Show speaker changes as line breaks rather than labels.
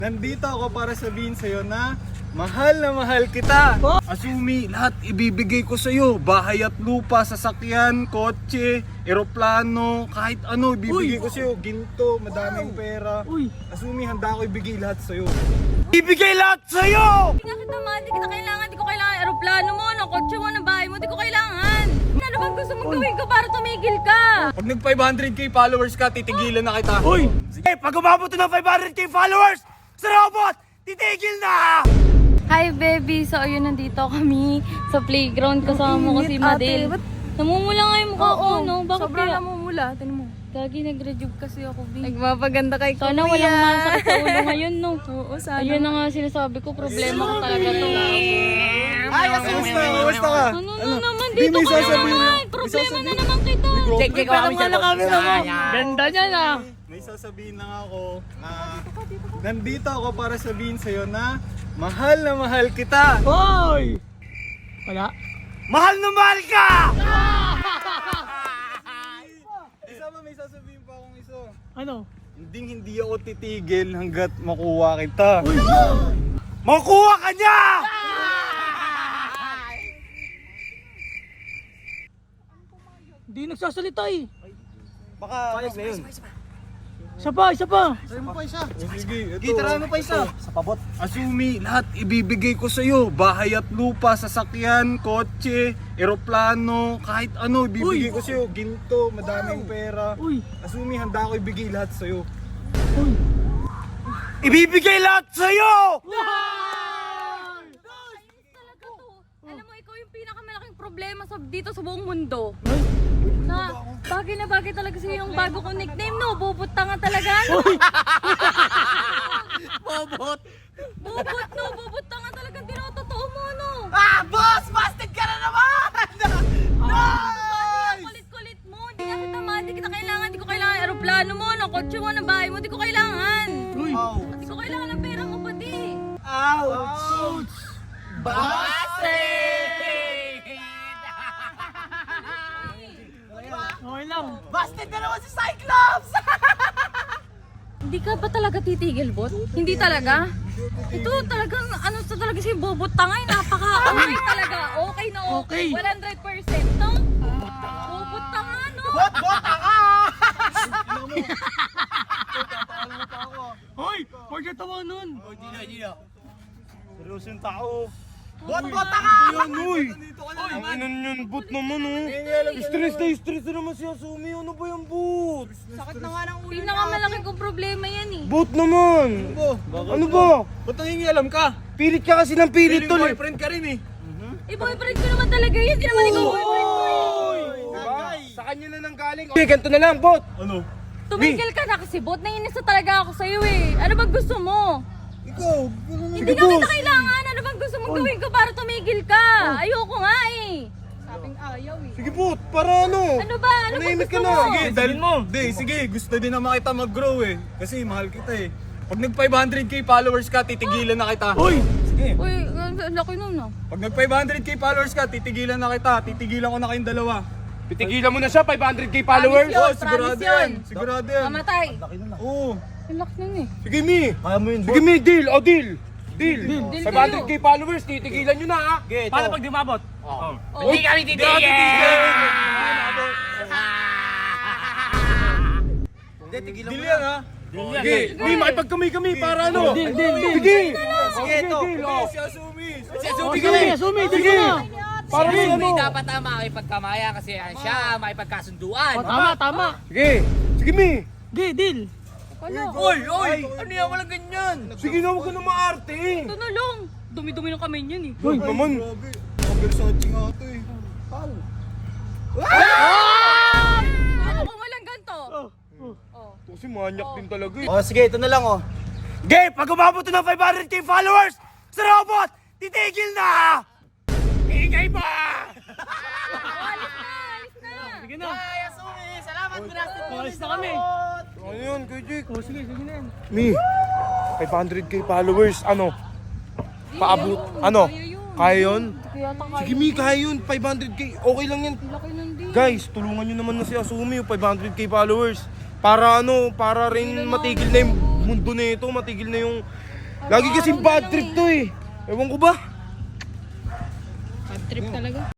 Nandito ako para sabihin sa'yo na mahal kita. Asumi, lahat ibibigay ko sa'yo. Bahay at lupa, sasakyan, kotse, eroplano, kahit ano ibibigay ko sa'yo. Ginto, madaming pera. Asumi, handa ako ibigay lahat sa'yo. Ibigay lahat sa'yo!
Hindi nga kita mahal, di kita kailangan, di ko kailangan aeroplano mo, ng kotse mo, ng bahay mo, di ko kailangan. Ano bang gusto mong gawin ko para tumigil ka?
Pag nag 500k followers ka, titigilan na kita.
Uy! Sige, pag umabot na ng 500k followers sa robot, titigil na!
Hi baby, so ayun nandito kami sa playground kasama ko si Madel. Namumula nga yung mukha ko, no? Bakit
Sobrang
kaya?
namumula, tinan mo.
Gagi, nag-rejuve kasi ako, babe.
Nagmapaganda kay Kuya.
Sana walang masakit sa ulo ngayon, no?
Oo, sana.
Ayun na nga sinasabi ko, problema ko talaga to.
Ay, kamusta ka?
Ano na naman,
Di,
dito
may
ka na
sasabihin
naman.
na.
Problema na naman kita.
Check ko kami sa
Ganda niya na.
May sasabihin lang ako na nandito ako para sabihin sa'yo na mahal kita.
Hoy! Wala? Mahal na mahal ka!
Isa pa, may sasabihin pa akong isa.
Ano?
Hindi ako titigil hanggat makuha kita.
Makuha ka niya! Hindi nagsasalita eh.
Baka ano na yun?
Isa pa, isa pa.
Sige, ito. Tirahan mo pa isa. Sa pabot. Asumi, lahat ibibigay ko sa'yo. Bahay at lupa, sasakyan, kotse, eroplano, kahit ano ibibigay ko sa'yo. Ginto, madaming pera.
Uy!
Asumi, handa ako ibigay lahat sa'yo.
Uy! Ibibigay lahat sa'yo!
Talaga to. Alam mo, ikaw yung pinakamalaking problema dito sa buong mundo. Na bagay talaga sa'yo yung bago kong nickname, no? Bobot tanga talaga, no?
Bobot!
Bobot, no? Bobot tanga talaga, tinototoo mo, no?
Ah! Boss! Busted ka na naman!
Ang kulit-kulit mo. Hindi nga kita mahal, di kita kailangan, di ko kailangan aeroplano mo, ng kotse mo, ng bahay mo, di ko kailangan.
Uy!
Di ko kailangan ng pera mo pati.
Ouch! Busted! Okay lang. Busted na naman si Cyclops!
Hindi ka ba talaga titigil, bot? Hindi talaga? Ito talagang, ano sa talaga si Bobot Tangay, napaka-okay talaga. Okay na okay.
Okay.
100%, no? Bobot Tanga, no?
Hoy! Huwag ka tawa nun! Hindi na.
Seryoso yung tao.
Bot ka!
Yan, uy! Ang inan yun, boot naman, oh. Stress na naman si Asumi. Ano ba yung boot?
Sakit na nga ng ulo.
Pinakamalaki kong problema yan eh.
Boot naman! Ano ba? Ba't nangingialam ka? Pilit ka kasi ng pilit tol eh. Boyfriend ka rin eh.
Eh, boyfriend ko naman talaga yun. Hindi naman ikaw boyfriend ko eh.
Diba? Sa kanya na nang galing. Okay, ganito na lang, bot. Ano?
Tumigil ka na kasi, bot. Nainis na talaga ako sa'yo eh. Ano bang gusto mo?
Ikaw.
Hindi nga kita kailangan. Ano bang gusto mong gawin ko para tumigil ka? Ayoko nga eh.
Sabing ayaw eh.
Sige, bot. Para ano?
Ano ba? Ano bang
Manahimik
gusto
ka
mo?
na. Sige, dahil mo. Hindi, sige. Gusto din naman kita mag-grow eh. Kasi mahal kita eh. Pag nag 500k followers ka, titigilan na kita.
Uy!
Sige.
Uy, ang laki nun ah.
Pag nag 500k followers ka, titigilan na kita. Titigilan ko na kayong dalawa.
Titigilan mo na siya, 500k followers?
Promise yun,
Oh, sigurado
promise yun.
yan. Sigurado yan.
Mamatay.
Oo.
Ang laki nun eh.
Sige, Mi.
Kaya mo yun,
Sige, Mi. Deal. O, deal. Deal.
Deal
500k followers, titigilan nyo na ha.
Paano pag dumabot?
Oh.
Hindi kami titigil!
Deal yan ha. Sige. Mi, makipagkamay-kamay para ano.
Deal, deal, deal.
Sige.
Sige, ito.
Si Asumi.
Asumi, sige na.
Para sa ano.
Dapat makipagkamaya kasi siya makipagkasunduan.
Tama.
Sige. Sige, Mi.
Sige, deal.
Oy! Ano yan? Walang ganyan!
Sige na, huwag ka na maarte eh.
Ito na lang. Dumi-dumi ng kamay niyan eh.
Uy, naman. Versace nga ito eh.
Ako kung walang ganito.
Kasi manyak din talaga eh.
Oh, sige, ito na lang oh. Sige, pag umabot na ng 500k followers sa robot, titigil na! Ingay ba?
Alis na.
Sige na.
Salamat, Brasted!
Alis na kami.
Ano yun, Kuya Jake?
Oh, sige na yan.
Mi, 500k followers, ano? Paabot, ano? Kaya yun?
Kaya taka.
Sige Mi, kaya yun, 500k, okay lang yan.
Laki nun din.
Guys, tulungan nyo naman na si Asumi, yung 500k followers. Para ano, para rin matigil na yung mundo na ito, matigil na yung
Lagi kasing bad trip to eh. Ewan ko ba?
Bad trip talaga.